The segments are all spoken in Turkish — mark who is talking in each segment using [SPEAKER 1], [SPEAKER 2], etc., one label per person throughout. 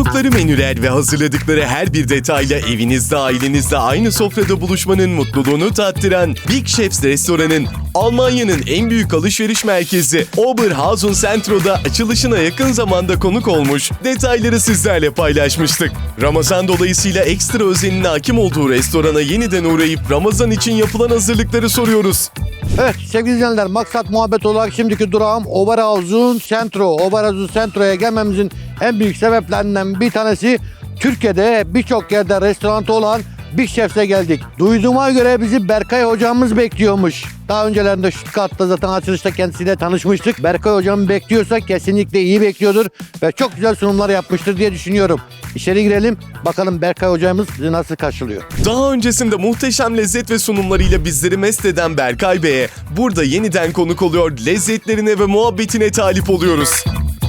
[SPEAKER 1] Sundukları menüler ve hazırladıkları her bir detayla evinizde, ailenizle aynı sofrada buluşmanın mutluluğunu tattıran Big Chefs restoranın Almanya'nın en büyük alışveriş merkezi Oberhausen Centro'da açılışına yakın zamanda konuk olmuş, detayları sizlerle paylaşmıştık. Ramazan dolayısıyla ekstra özenine hakim olduğu restorana yeniden uğrayıp Ramazan için yapılan hazırlıkları soruyoruz.
[SPEAKER 2] Evet sevgili izleyenler, maksat muhabbet olarak şimdiki durağım Oberhausen Centro. Oberhausen Centro'ya gelmemizin en büyük sebeplerinden bir tanesi Türkiye'de birçok yerde restoranı olan Big Chef'e geldik. Duyduğuma göre bizi Berkay hocamız bekliyormuş. Daha öncelerinde Stuttgart'ta zaten açılışta kendisiyle tanışmıştık. Berkay hocamı bekliyorsa kesinlikle iyi bekliyordur ve çok güzel sunumlar yapmıştır diye düşünüyorum. İçeri girelim, bakalım Berkay hocamız bizi nasıl karşılıyor.
[SPEAKER 1] Daha öncesinde muhteşem lezzet ve sunumlarıyla bizleri mest eden Berkay Bey'e burada yeniden konuk oluyor, lezzetlerine ve muhabbetine talip oluyoruz.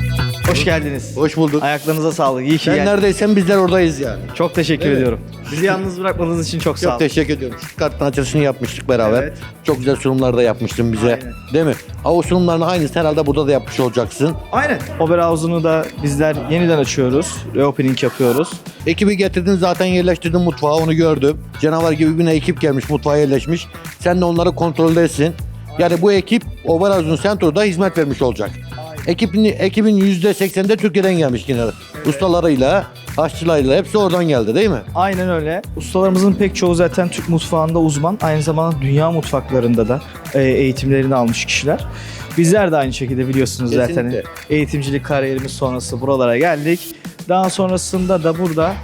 [SPEAKER 3] Hoş geldiniz.
[SPEAKER 2] Hoş bulduk.
[SPEAKER 3] Ayaklarınıza sağlık. İyi ki
[SPEAKER 2] Sen
[SPEAKER 3] geldin.
[SPEAKER 2] neredeysen bizler oradayız yani.
[SPEAKER 3] Çok teşekkür
[SPEAKER 2] Evet.
[SPEAKER 3] ediyorum. Bizi yalnız bırakmadığınız için çok sağ
[SPEAKER 2] Çok
[SPEAKER 3] olun.
[SPEAKER 2] teşekkür ediyorum. Stuttgart'ın açılışını yapmıştık beraber.
[SPEAKER 3] Evet.
[SPEAKER 2] Çok güzel sunumlar da yapmıştın bize.
[SPEAKER 3] Aynen.
[SPEAKER 2] Değil mi? O sunumların aynısını herhalde burada da yapmış olacaksın.
[SPEAKER 3] Aynen. Oberhausen'u da bizler yeniden açıyoruz. Reopening yapıyoruz.
[SPEAKER 2] Ekibi getirdin, zaten yerleştirdin mutfağa, onu gördüm. Canavar gibi bir ekip gelmiş, mutfağa yerleşmiş. Sen de onları kontroldesin. Yani bu ekip Oberhausen Centro'da hizmet vermiş olacak. Ekibin %80'de Türkiye'den gelmiş yine. Ustalarıyla, aşçılarıyla hepsi oradan geldi değil mi?
[SPEAKER 3] Aynen öyle. Ustalarımızın pek çoğu zaten Türk mutfağında uzman. Aynı zamanda dünya mutfaklarında da eğitimlerini almış kişiler. Bizler de aynı şekilde biliyorsunuz zaten
[SPEAKER 2] Kesinlikle.
[SPEAKER 3] eğitimcilik kariyerimiz sonrası buralara geldik. Daha sonrasında da burada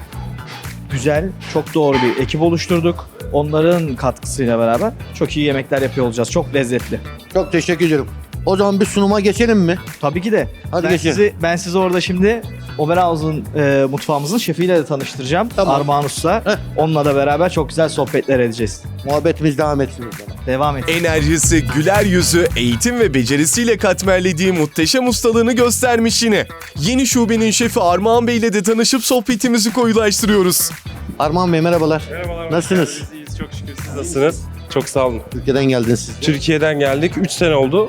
[SPEAKER 3] güzel, çok doğru bir ekip oluşturduk. Onların katkısıyla beraber çok iyi yemekler yapıyor olacağız. Çok lezzetli.
[SPEAKER 2] Çok teşekkür ediyorum. O zaman bir sunuma geçelim mi?
[SPEAKER 3] Tabii ki de.
[SPEAKER 2] Hadi
[SPEAKER 3] ben
[SPEAKER 2] geçelim.
[SPEAKER 3] ben sizi orada şimdi Oberhausen mutfağımızın şefiyle de tanıştıracağım.
[SPEAKER 2] Tamam.
[SPEAKER 3] Armağan Usta.
[SPEAKER 2] Heh.
[SPEAKER 3] Onunla da beraber çok güzel sohbetler edeceğiz.
[SPEAKER 2] Muhabbetimiz devam etsin o zaman.
[SPEAKER 3] Devam et.
[SPEAKER 1] Enerjisi, güler yüzü, eğitim ve becerisiyle katmerlediği muhteşem ustalığını göstermiş yine. Yeni şubenin şefi Armağan Bey ile de tanışıp sohbetimizi koyulaştırıyoruz.
[SPEAKER 2] Armağan Bey merhabalar.
[SPEAKER 4] Merhabalar.
[SPEAKER 2] Nasılsınız?
[SPEAKER 4] hoş geldiniz. İyiyiz, çok şükür. Siz nasılsınız? Çok sağ olun.
[SPEAKER 2] Türkiye'den geldiniz siz.
[SPEAKER 4] Türkiye'den geldik. 3 sene oldu.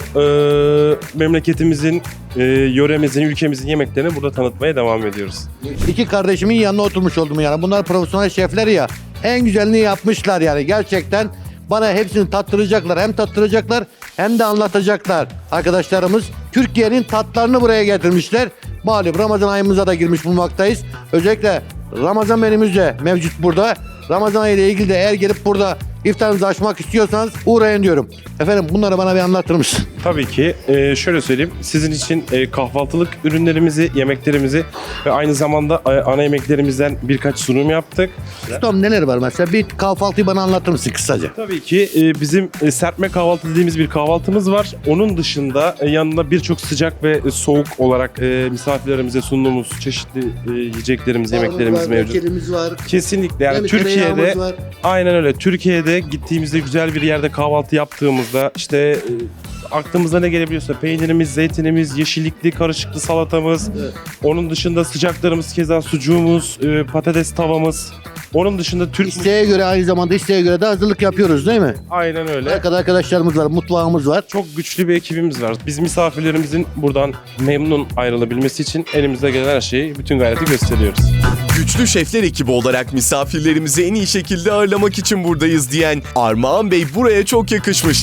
[SPEAKER 4] Memleketimizin, yöremizin, ülkemizin yemeklerini burada tanıtmaya devam ediyoruz.
[SPEAKER 2] İki kardeşimin yanına oturmuş oldum yani. Bunlar profesyonel şefler ya. En güzelini yapmışlar yani. Gerçekten bana hepsini tattıracaklar. Hem tattıracaklar hem de anlatacaklar. Arkadaşlarımız Türkiye'nin tatlarını buraya getirmişler. Malum Ramazan ayımıza da girmiş bulunmaktayız. Özellikle Ramazan menümüz de mevcut burada. Ramazan ayı ile ilgili de eğer gelip burada iftarınızı açmak istiyorsanız uğrayın diyorum. Efendim bunları bana bir anlatır mısın?
[SPEAKER 4] Tabii ki. Şöyle söyleyeyim. Sizin için kahvaltılık ürünlerimizi, yemeklerimizi ve aynı zamanda ana yemeklerimizden birkaç sunum yaptık.
[SPEAKER 2] Ustam neler var mesela? Bir kahvaltıyı bana anlatır mısın kısaca?
[SPEAKER 4] Tabii ki bizim serpme kahvaltı dediğimiz bir kahvaltımız var. Onun dışında yanında birçok sıcak ve soğuk olarak misafirlerimize sunduğumuz çeşitli yiyeceklerimiz, yemeklerimiz mevcut.
[SPEAKER 2] Kelimiz var.
[SPEAKER 4] Kesinlikle yani Türkiye'de
[SPEAKER 2] tereyağımız var.
[SPEAKER 4] aynen öyle. Türkiye'de gittiğimizde güzel bir yerde kahvaltı yaptığımızda işte aklımıza ne gelebiliyorsa peynirimiz, zeytinimiz, yeşillikli karışıklı salatamız.
[SPEAKER 2] Evet.
[SPEAKER 4] Onun dışında sıcaklarımız keza sucuğumuz, patates tavamız. Onun dışında Türk
[SPEAKER 2] İsteğe göre, aynı zamanda isteğe göre de hazırlık yapıyoruz değil mi?
[SPEAKER 4] aynen öyle.
[SPEAKER 2] Arkadaşlarımız var, mutfağımız var.
[SPEAKER 4] Çok güçlü bir ekibimiz var. Biz misafirlerimizin buradan memnun ayrılabilmesi için elimizde gelen her şeyi, bütün gayreti gösteriyoruz.
[SPEAKER 1] Güçlü şefler ekibi olarak misafirlerimizi en iyi şekilde ağırlamak için buradayız diyen Armağan Bey buraya çok yakışmış.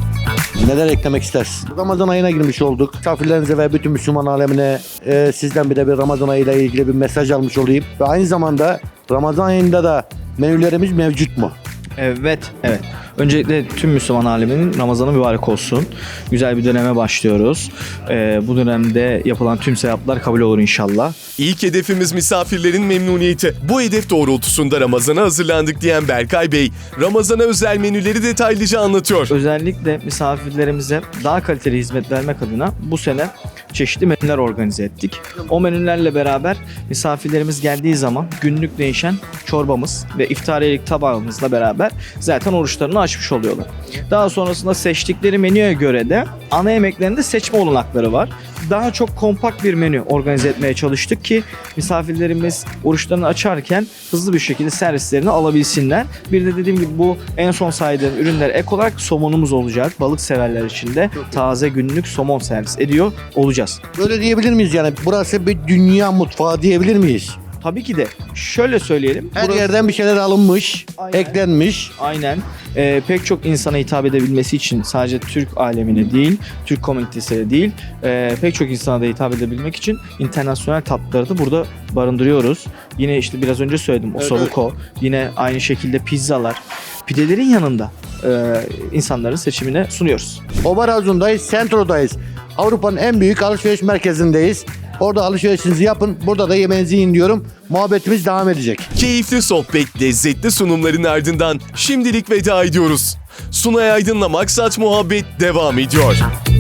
[SPEAKER 2] Neler eklemek istersin? Ramazan ayına girmiş olduk. Misafirlerinize ve bütün Müslüman alemine sizden bir de bir Ramazan ayıyla ilgili bir mesaj almış olayım. Ve aynı zamanda Ramazan ayında da menülerimiz mevcut mu?
[SPEAKER 3] Evet, evet. Öncelikle tüm Müslüman aleminin Ramazanı mübarek olsun. Güzel bir döneme başlıyoruz. Bu dönemde yapılan tüm sevaplar kabul olur inşallah.
[SPEAKER 1] İlk hedefimiz misafirlerin memnuniyeti. Bu hedef doğrultusunda Ramazan'a hazırlandık diyen Berkay Bey, Ramazan'a özel menüleri detaylıca anlatıyor.
[SPEAKER 3] Özellikle misafirlerimize daha kaliteli hizmet vermek adına bu sene çeşitli menüler organize ettik. O menülerle beraber misafirlerimiz geldiği zaman günlük değişen çorbamız ve iftariyelik tabağımızla beraber zaten oruçlarını açmış oluyorlar. Daha sonrasında seçtikleri menüye göre de ana yemeklerinde seçme olanakları var. Daha çok kompakt bir menü organize etmeye çalıştık ki misafirlerimiz oruçlarını açarken hızlı bir şekilde servislerini alabilsinler. Bir de dediğim gibi bu en son saydığım ürünler ek olarak somonumuz olacak. Balık severler için de taze günlük somon servis ediyor olacağız.
[SPEAKER 2] Böyle diyebilir miyiz yani? Burası bir dünya mutfağı diyebilir miyiz?
[SPEAKER 3] Tabii ki de şöyle söyleyelim.
[SPEAKER 2] Her
[SPEAKER 3] burası-
[SPEAKER 2] yerden bir şeyler alınmış,
[SPEAKER 3] Aynen.
[SPEAKER 2] eklenmiş.
[SPEAKER 3] Aynen. Pek çok insana hitap edebilmesi için sadece Türk alemine değil, Türk komünitesine değil, pek çok insana da hitap edebilmek için internasyonel tatlıları da burada barındırıyoruz. Yine işte biraz önce söyledim, osobuco, yine aynı şekilde pizzalar, pidelerin yanında insanların seçimine sunuyoruz.
[SPEAKER 2] Oberazun'dayız, Centro'dayız. Avrupa'nın en büyük alışveriş merkezindeyiz. Orada alışverişinizi yapın, burada da yemeğinizi yiyin diyorum. Muhabbetimiz devam edecek.
[SPEAKER 1] Keyifli sohbet, lezzetli sunumların ardından şimdilik veda ediyoruz. Sunay Aydın'la Maksat Muhabbet devam ediyor.